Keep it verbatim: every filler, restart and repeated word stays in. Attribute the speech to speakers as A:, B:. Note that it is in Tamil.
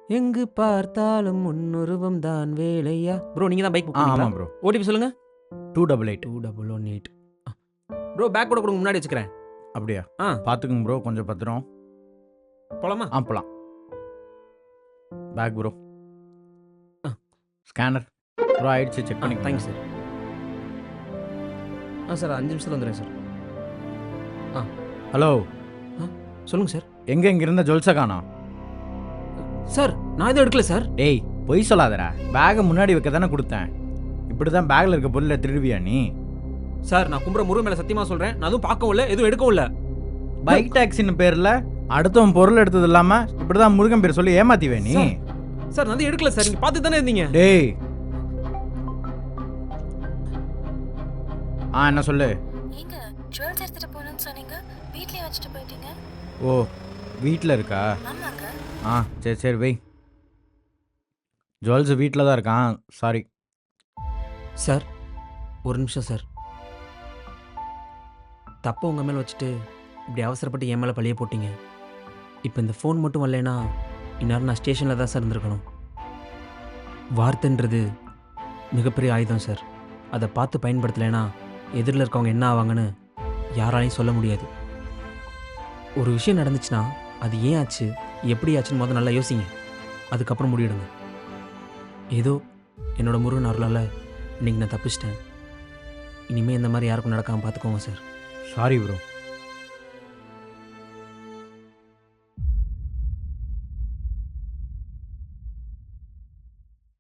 A: எங்கு பார்த்தாலும் முன்னுருவம் தான் வேலையா. ப்ரோ நீங்கள் தான் பைக் புக்
B: ஆ
A: பண்ணீங்களா?
B: ஆமாம் ப்ரோ.
A: ஓடிபி சொல்லுங்கள்.
B: Two double eight.
A: Two double one eight. Bro bag கூட கொடுங்க, முன்னாடி வச்சுக்கிறேன்.
B: அப்படியா?
A: ஆ
B: பார்த்துக்குங்க ப்ரோ, கொஞ்சம் பத்திரம்.
A: போலாமா?
B: ஆ போலாம். Bag bro.
A: ஆ.
B: ஸ்கேனர் ப்ரோ ஆயிடுச்சு, செக்
A: ஆ
B: பண்ணி
A: தேங்க்யூ சார். ஆ சார் அஞ்சு நிமிஷத்தில் வந்துடுறேன் சார்.
B: ஹலோ,
A: சொல்லுங்கள் சார்.
B: எங்கே இங்கே இருந்த ஜுவல்ஸை காணோம்?
A: சார் நான் எதுவும் எடுக்கல சார்.
B: டேய் பொய் சொல்லாதடா, பேகை முன்னாடி வைக்க தானே கொடுத்தேன். இப்படி தான் பேக்கில் இருக்க பொருளை திருடுவியா நீ?
A: சார் நான் கும்புற முருகன் மேலே சத்தியமாக சொல்கிறேன், நான் எதுவும் பார்க்கவும் இல்லை, எதுவும் எடுக்கவும் இல்லை.
B: பைக் டாக்ஸின்னு பேரில் அடுத்தவன் பொருள் எடுத்தது இல்லாமல் இப்படி தான் முருகன் பேர் சொல்லி ஏமாத்திவே நீ?
A: சார், சார் நான் எதுவும் எடுக்கல சார், நீங்கள் பார்த்து தானே இருந்தீங்க.
B: டேய் ஆ என்ன சொல்லு?
C: ஏங்க ஜுவல்ஸ் எடுத்துட்டு போகணும்னு சொன்னீங்க, வீட்லயே வச்சுட்டு போயிட்டீங்க.
B: ஓ வீட்டில் இருக்கா?
C: ஆமாங்க.
B: ஆ சரி சரி வை. ஜுவல்ஸ் வீட்டில் தான் இருக்கான், சாரி.
A: சார் ஒரு நிமிஷம் சார். தப்பு உங்கள் மேலே வச்சுட்டு இப்படி அவசரப்பட்டு என் மேலே பழிய போட்டீங்க. இப்போ இந்த ஃபோன் மட்டும் வரலைன்னா இந்நேரம் நான் ஸ்டேஷனில் தான் சார் இருந்திருக்கணும். வார்த்தைன்றது மிகப்பெரிய ஆயுதம் சார். அதை பார்த்து பயன்படுத்தலைன்னா எதிரில் இருக்கவங்க என்ன ஆவாங்கன்னு யாராலையும் சொல்ல முடியாது. ஒரு விஷயம் நடந்துச்சுன்னா அது ஏன் ஆச்சு, எப்படி ஆச்சுன்னு முதல்ல நல்லா யோசிங்க, அதுக்கப்புறம் முடிவிடுங்க. ஏதோ என்னோட முருகன் அருளால் இன்னைக்கு நான் தப்பிச்சிட்டேன். இனிமேல் இந்த மாதிரி யாருக்கும் நடக்காமல் பார்த்துக்கோங்க சார்.
B: Sorry bro.